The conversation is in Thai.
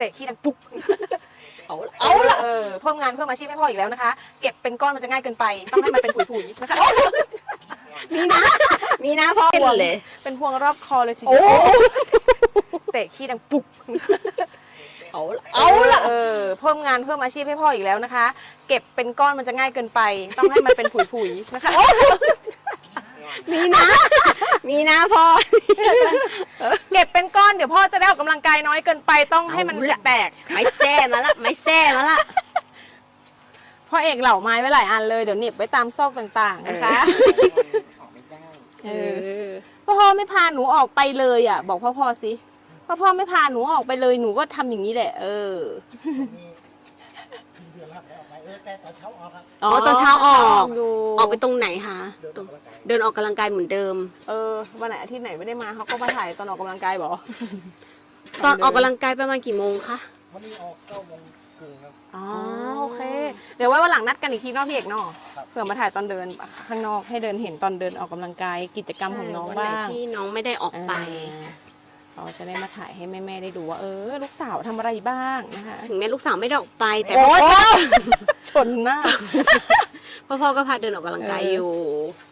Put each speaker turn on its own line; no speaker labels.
เตะขี้ดังปุ๊ก
เอาละ
เพิ่มงานเพิ่มอาชีพให้พ่ออีกแล้วนะคะ เก็บเป็นก้อนมันจะง่ายเกินไป ต้องให้มันเป็นผุยๆนะคะ
มีนะพ่อเลย
เป็นพวงรอบคอเลยที
โอ้
เดียวเตะขี้ดังปุ๊ก
เอาละ
เพิ่มงานเพิ่มอาชีพให้พ่ออีกแล้วนะคะ เก็บเป็นก้อนมันจะง่ายเกินไป ต้องให้มันเป็นผุยๆนะคะ
มีนะพ่อ
เก็บเป็นก้อนเดี๋ยวพ่อจะได้ออกกำลังกายน้อยเกินไปต้องให้มันแตก
ไม่แซ่มาละ
พ่อเอกเหล่าไม้ไว้หลายอันเลยเดี๋ยวเหน็บไว้ตามซอกต่างๆนะคะพ่อไม่พาหนูออกไปเลยอ่ะบอกพ่อสิพ่อไม่พาหนูออกไปเลยหนูก็ทำอย่างนี้แหละ
ตอนเช้าออก
อยู่
ออกไปตรงไหนคะเดินออกกำลังกายเหมือนเดิม
วันไหนอาทิตย์ไหนไม่ได้มาเขาก็มาถ่ายตอนออกกำลังกายบอก
ตอนออกกำลังกายประมาณกี่โมงคะ
วันนี้ออก9:30ครับ
อ๋อโอเค เดี๋ยวไว้วันหลังนัดกันอีกทีเนอกพี่เอกเนาะเผื่อมาถ่ายตอนเดินข้างนอกให้เดินเห็นตอนเดินออกกำลังกายกิจกรรมของน้อง
วันไหน
บ้าง
ที่น้องไม่ได้ออกไป
เราจะได้มาถ่ายให้แม่ๆได้ดูว่าลูกสาวทำอะไรบ้างนะคะ
ถึงแม้ลูกสาวไม่ได้ออกไปแต่
โอ๊
พ่อย
ชนหน้า
พ่อก็พาเดินออกกำลังกายอยู่